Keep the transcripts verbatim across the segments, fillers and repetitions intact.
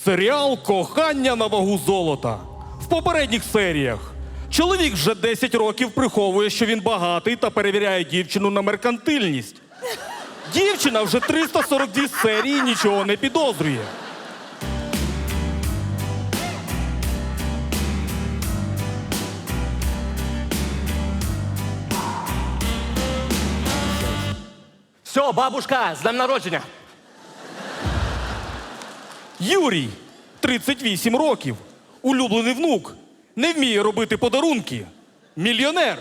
Серіал «Кохання на вагу золота». В попередніх серіях чоловік вже десять років приховує, що він багатий, та перевіряє дівчину на меркантильність. Дівчина вже триста сорок дві серії нічого не підозрює. Все, бабушка, з днем народження. Юрій, тридцять вісім років, улюблений внук, не вміє робити подарунки. Мільйонер.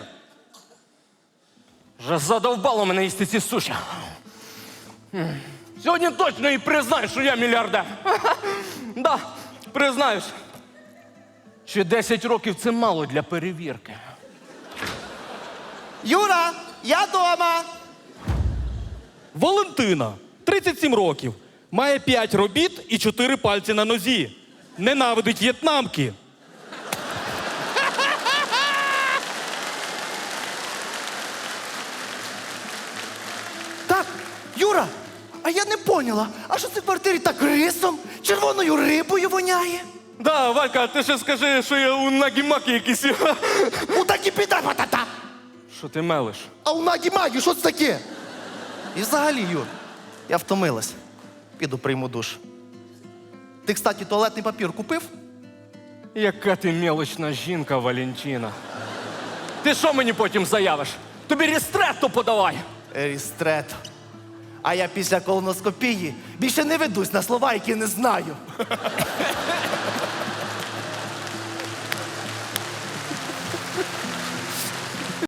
Вже задовбало мене їсти ці суші. Сьогодні точно і признаю, що я мільярдер. Да, признаюсь. Ще десять років це мало для перевірки. Юра, я дома. Валентина, тридцять сім років, має п'ять робіт і чотири пальці на нозі. Ненавидить в'єтнамки. Так, Юра, а я не поняла, а що це в квартирі так рисом, червоною рибою воняє? Да, Валька, ти ще скажи, що я у нагі-макі якийсь. У такі піда патата. Що ти мелиш? А у нагі магі, що це таке? І взагалі, Юр, я втомилась. Піду прийму душ. Ти, кстати, туалетний папір купив? Яка ти мелочна жінка, Валентина. Ти що мені потім заявиш? Тобі рістретто подавай. Рістрет. А я після колоноскопії більше не ведусь на слова, які не знаю.